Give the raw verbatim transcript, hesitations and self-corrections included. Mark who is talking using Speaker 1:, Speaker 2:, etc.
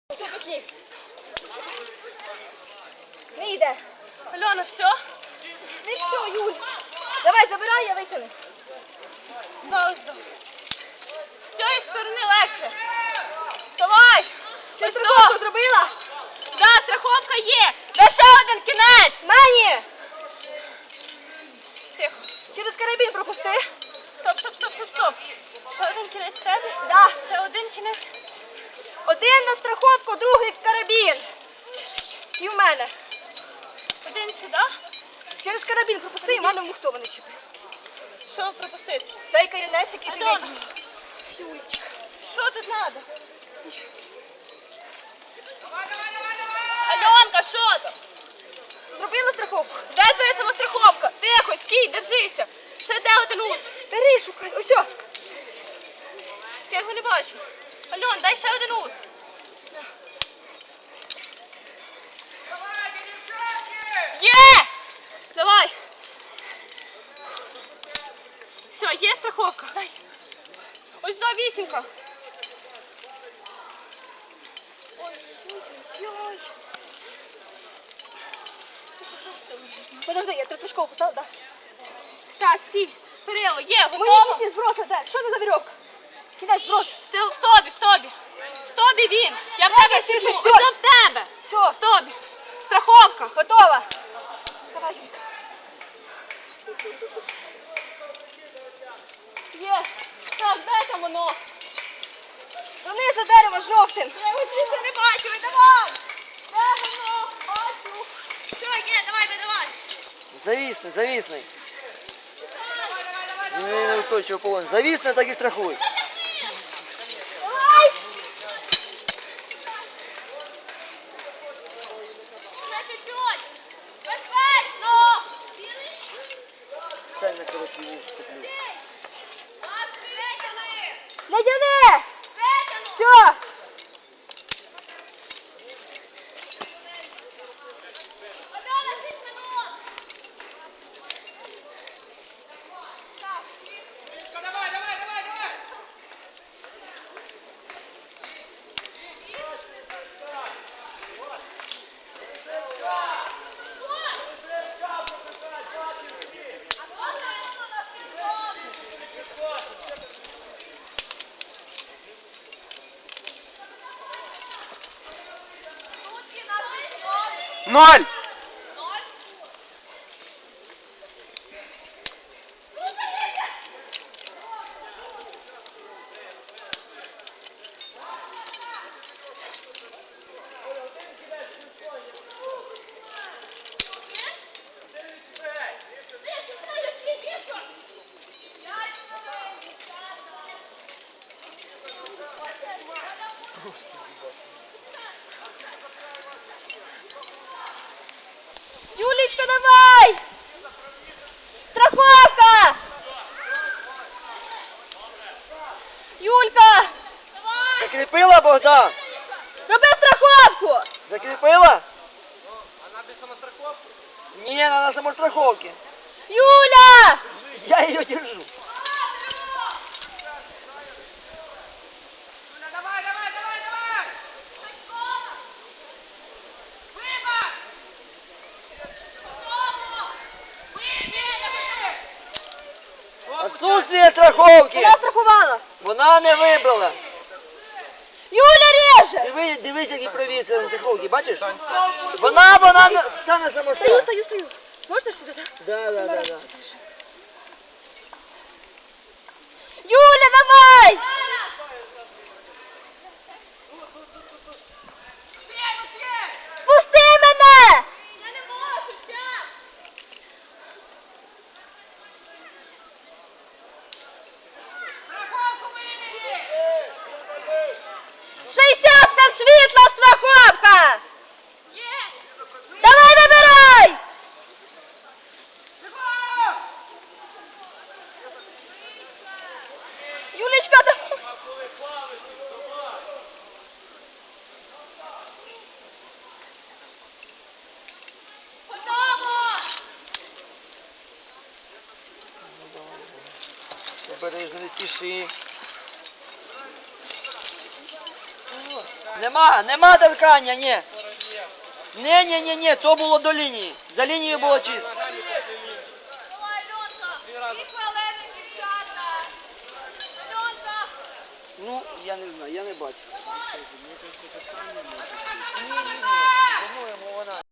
Speaker 1: Не йде.
Speaker 2: Альона, все?
Speaker 1: Не все, Юль. Давай, забирай, я витягну.
Speaker 2: Зараз. З цієї сторони легше. Давай.
Speaker 1: Ти страховку зробила?
Speaker 2: Да, страховка є. Де ще один кінець?
Speaker 1: Мені!
Speaker 2: Тихо.
Speaker 1: Через карабін пропусти.
Speaker 2: Стоп, стоп, стоп, стоп, стоп. Ще один кінець в тебе?
Speaker 1: Да.
Speaker 2: Це один кінець.
Speaker 1: Один на страховку, другий в карабін. І в мене.
Speaker 2: Один сюди.
Speaker 1: Через карабін пропусти, і в мене в мухтова не чіпи.
Speaker 2: Що пропустити?
Speaker 1: Цей корінець, який ти
Speaker 2: Альона.
Speaker 1: витягнула. Юлечка.
Speaker 2: Що тут треба? Альонка, що там?
Speaker 1: Зробила страховку?
Speaker 2: Де твоя самостраховка? Тихо, стій, держися. Ще де один ус?
Speaker 1: Бери, шукай. Ось о.
Speaker 2: Я його не бачу. Альон, дай ще один ус. Є! Давай. Все, є страховка.
Speaker 1: Дай.
Speaker 2: Ось до вісімка.
Speaker 1: Ой-ой-ой. Подожди, я третушкову поставила, да?
Speaker 2: Так, сіль. Перило, є,
Speaker 1: Мої
Speaker 2: готово.
Speaker 1: кінці зброса, де? Що це за вірьовка? Кінець зброс.
Speaker 2: В, те- в тобі, в тобі. В тобі він. Я в
Speaker 1: Дай
Speaker 2: тебе
Speaker 1: мені
Speaker 2: сижу.
Speaker 1: шестерку.
Speaker 2: Ось в тебе.
Speaker 1: Все,
Speaker 2: В тобі. Страховка.
Speaker 1: готова. Давай, Юлька.
Speaker 2: Є. Так, де там воно?
Speaker 1: Донизу дерево жовтим.
Speaker 2: Я його звідси не бачу, видавай! Де воно? Бачу! Все, є, давай, видавай!
Speaker 3: Зависни, зависни. Не, не устойчиво полон. Зависни, так і страхуй.
Speaker 1: Давай!
Speaker 2: Ще чуть-чуть! Безпечно!
Speaker 3: Стань на короткий вуз, куплю.
Speaker 2: Витягни!
Speaker 1: Не тяни!
Speaker 2: Витягну!
Speaker 1: Все!
Speaker 2: Альона, шість минут! Так.
Speaker 4: Давай, давай, давай, давай!
Speaker 3: Ноль!
Speaker 1: Юлечка, давай! Страховка! Юлька!
Speaker 3: Закріпила, Богдан?
Speaker 1: Роби страховку!
Speaker 3: Закріпила? Вона без самостраховки? Ні, вона на самостраховці.
Speaker 1: Юля!
Speaker 3: Я її держу.
Speaker 4: Давай, давай, давай, давай! Вибор!
Speaker 3: Отсутствие страховки.
Speaker 1: Вона страхувала!
Speaker 3: Вона не вибрала.
Speaker 1: Юля реже!
Speaker 3: Диви, дивись, які провіси на страховці, бачиш? Вона, вона на- стане
Speaker 1: Стою,
Speaker 3: самострах.
Speaker 1: стою, стою. Можна сюди, так?
Speaker 3: Да, да, да, да.
Speaker 1: Юля, давай! Пусти мене!
Speaker 2: Я не можу, час!
Speaker 1: шістдесят на світла страховка!
Speaker 2: Є!
Speaker 1: Давай вибирай! Юлечка, давай!
Speaker 2: Готово!
Speaker 3: Обережно, не спіши.
Speaker 5: Нема, нема торкання, ні. Ні, ні, ні, ні, то було до лінії. За лінією було чисто.
Speaker 2: Давай, Альонка. Дві хвилини, дівчата. Альонка.
Speaker 5: Ну, я не знаю, я не бачу.
Speaker 2: Давай.
Speaker 5: Ні, ні, ні. По-моєму, вона.